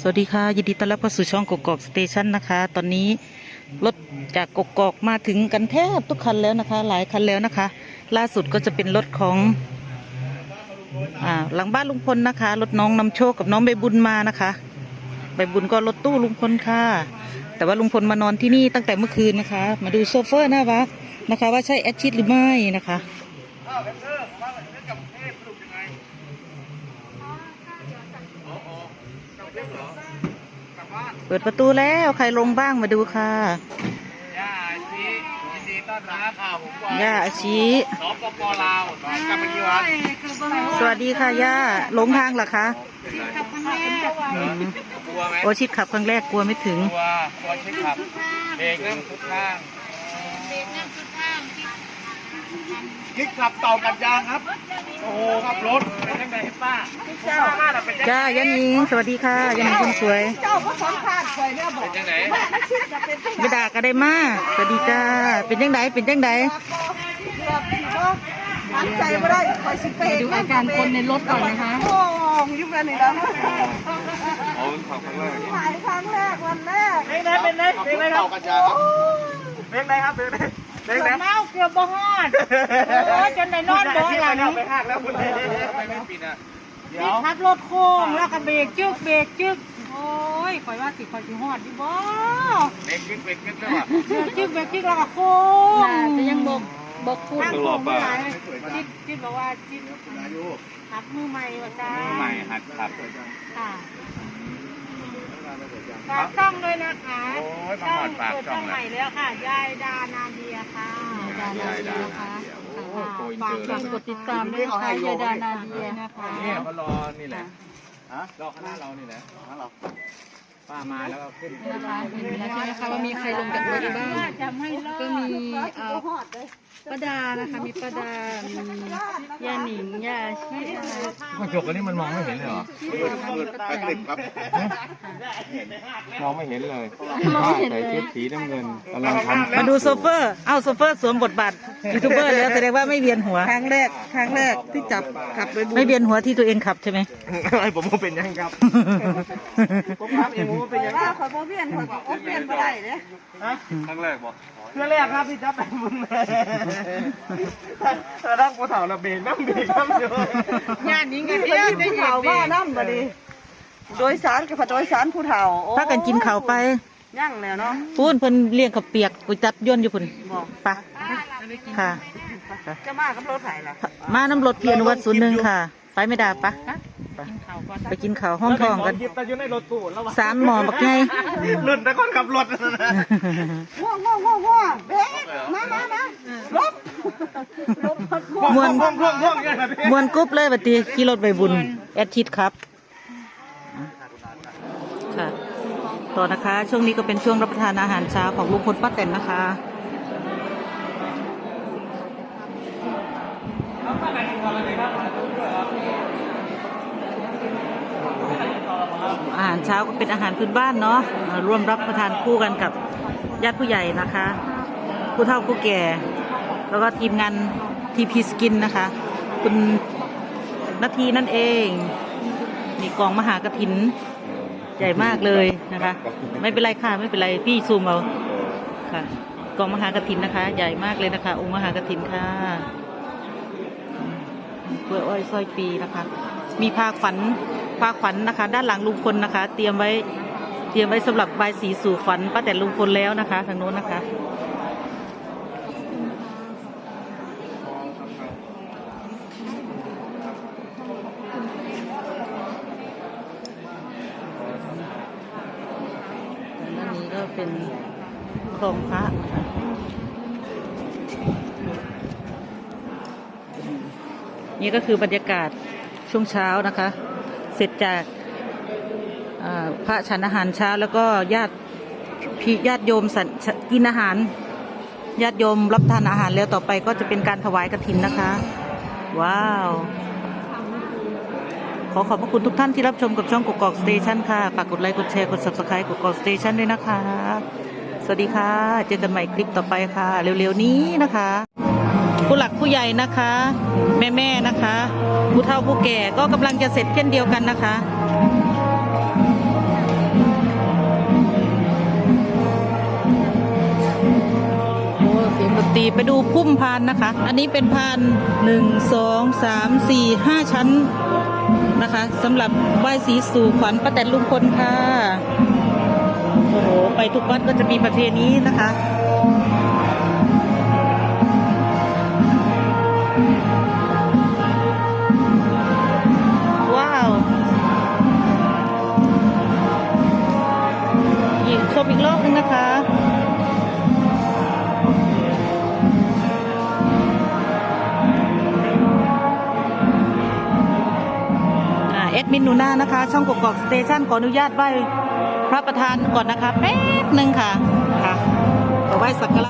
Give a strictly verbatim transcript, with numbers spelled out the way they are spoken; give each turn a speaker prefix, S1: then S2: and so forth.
S1: วัสดีค่ะยินดีต้อนรับเข้าสู่ช่องกกอกสเตชันนะคะตอนนี้รถจากกกอกมาถึงกันแทบทุกคันแล้วนะคะหลายคันแล้วนะคะล่าสุดก็จะเป็นรถของอ่าหลังบ้านลุงพลนะคะรถน้องนำโชคกับน้องใบบุญมานะคะใบบุญก็รถตู้ลุงพลค่ะแต่ว่าลุงพลมานอนที่นี่ตั้งแต่เมื่อคืนนะคะมาดูโซเฟอร์หน้าวัดนะคะว่าใช่แอดชิดหรือไม่นะคะเปิดประตูแล้วใครลงบ้างมาดูค่ะ
S2: ย่าอาชียินดีต้อนรับค่ะผมก่อน
S1: ย่าอาชี
S2: สปปลาวสอนกันเมื่อกี้วัน
S1: สวัสดีค่ะย่าหลงทางเหรอคะ
S2: กลัวไหม
S1: โอชิดขับครั้งแรกกลัวไม่ถึง
S2: กลัวกลัวชิดขับเบรกนั่งสุดข้างคลิกขับเต่ากันยางครับโอ้โหขับรถเป็นยังไงป้าเจ้า
S1: จ้ายันยิงสวัสดีค่ะยันยิงคนสวย
S3: เจ้าก็สอนขาดคอยเนี่ยบอก
S2: เป็นยังไง
S1: ไม่ด่ากันได้มาสวัสดีจ้าเป็นยังไงเป็นยังไง
S3: มั่นใจไม่ได้คอยสิเปย์
S4: ดูอาการคนในรถก่อนนะคะ
S3: โอ้ยยุ่งกันอีกแล้ว
S2: โอ้ขับครั้งแรก
S3: ถ่ายครั้งแรกวันแรก
S2: เป็นไงเป็นไงเป็นไงครับเป็นไงครับเป็นไงเป็นไง
S4: เน่าเกือบบ่ฮอดโอ้ยจนได้นอนบ่หลัง
S2: ไปหักแล้วคุณเลยไม่ไม่ปิดอ่ะเดี๋ยว
S4: ขับรถโค้งแล้วก็เบรกจึ๊กเบรกจึ๊กโอ้ยคอยว่าสิคอยสิฮอดดิบ่
S2: เบรกยึกเบรกยึกแล้วอ่ะ
S4: เบรกจึ๊กเบรกจึ๊กแล้วก็โค้งจะยังบกบกคุณ
S2: ต้องรอป่ะ
S4: จิ๊ดจิ๊ดบอกว่าจิ๊ดขับมือใหม่ว่าจ้า
S2: มือใหม่หัดขับ
S4: ค่ะฝากช่องด้วยนะคะ
S2: ช่องเปิด
S4: ช่องใหม่แล้วค่ะยายดานาเดียค่ะยายดานาเดียนะคะฝากฝากกดติดตามด้วยค่ะยายดานาเดียนะคะ
S2: เนี่ยเขารอนี่แหละรอคณะเรานี่แหละเราป้ามาแล้วก็ขึ้น
S4: นะคะเห็นแล้วใช่ไหมคะว่ามีใครลงจากรถบ้างก็มีเอ่อป้าดานะคะมีป้าดามีย่าหนิงย่าชีนะคะ
S2: กระจกอันนี้มันมองไม่เห็นเลยเหรอมองไม่เห็นเลยป้าใส่ชุดสีน้ำเงินกำลังทำ
S1: มาดูโซเฟอร์เอ้าโซเฟอร์สวมบทบาทยูทูบเบอร์แล้วแสดงว่าไม่เวียนหัว
S3: ครั้งแรกครั้งแรกที่จับขับไป
S1: ไม่เวียนหัวที่ตัวเองขับใช่ไหม
S2: ไอ้ผมก็เป็นยังครับผมขับเองผมก็เป็นยัง
S3: ว่าขอพ่อเพี้ยนขอพ่อเพี้ยนไม่ได้เนี่ย
S2: ครั้งแรกบอกเพื่อแรกครับที่จับไปบุญถ้านั่งกูเถ่าระเบิดน้ำเบรกน้ำเยอะ
S4: งานนี้กันเยอะได้
S3: เถ่าว่าน้ำมาดิโดยสารกับโดยสารผู้เฒ่า
S1: ถ้ากันกินข้าวไป
S3: ยั่งแล้วเนาะ
S1: พูนเพิ่นเลี้ยงข้าวเปียกกุยจับย่นอยู่พุ่นปะค่ะ
S3: จะมากับรถไถล่ะ
S1: มาน้ำรถเพียรวัดศูนย์หนึ่งค่ะไปไม่ได้ปะไปกินข้าวห้องทองกันสามหมอบักไง
S2: รุ่นแต่คนขับรถ
S3: ว้าวว้าวว้าวว้าวเบ๊มามามาลบลบ
S1: มวนมวนกุ๊บเลยบัดนี้ขี่รถไปบุญแอดทิดครับค่ะต่อนะคะช่วงนี้ก็เป็นช่วงรับประทานอาหารเช้าของลุงพลป้าแตนนะคะอาหารเช้าก็เป็นอาหารพื้นบ้านเนาะร่วมรับประทานคู่กันกับญาติผู้ใหญ่นะคะผู้เฒ่าผู้แก่แล้วก็ทีมงานทีพีสกินนะคะคุณนาทีนั่นเองมีกองมหากฐินใหญ่มากเลยนะคะไม่เป็นไรค่ะไม่เป็นไรพี่ซูมเอาค่ะกองมหากฐินนะคะใหญ่มากเลยนะคะองค์มหากฐินค่ะเพื่ออ้อยสร้อยปีนะคะมีผ้าขวัญผ้าขวัญนะคะด้านหลังลุงพลนะคะเตรียมไว้เตรียมไว้สำหรับใบสีสู่ขวัญป้าแต่ลุงพลแล้วนะคะทางโน้นนะคะด้านนี้ก็เป็นโครงพระนี่ก็คือบรรยากาศช่วงเช้านะคะเสร็จจากพระฉันอาหารเช้าแล้วก็ญาติพี่ญาติโยมกินอาหารญาติโยมรับทานอาหารแล้วต่อไปก็จะเป็นการถวายกฐินนะคะว้าวขอขอบพระคุณทุกท่านที่รับชมกับช่องกกอกสเตชันค่ะฝากกดไลค์กดแชร์กด ซับสไครบ์ กกอกสเตชันด้วยนะคะสวัสดีค่ะเจอกันใหม่คลิปต่อไปค่ะเร็วๆนี้นะคะผู้หลักผู้ใหญ่นะคะแม่ๆนะคะผู้เฒ่าผู้แก่ก็กำลังจะเสร็จเช่นเดียวกันนะคะดูพุ่มพานนะคะ อันนี้เป็นพานหนึ่งสองสามสี่ห้าชั้นนะคะสำหรับไหว้ศรีสู่ขวัญป้าแตนลุงพลค่ะโอ้โหไปทุกวัดก็จะมีประเพณีนะคะว้าวอีกชมอีกรอบนึงนะคะแอดมินหนูนานะคะช่องกกอกสเตชันขออนุญาตไหว้พระประธานก่อนนะคะแป๊บหนึ่งค่ะค่ะขอไหว้สักการะ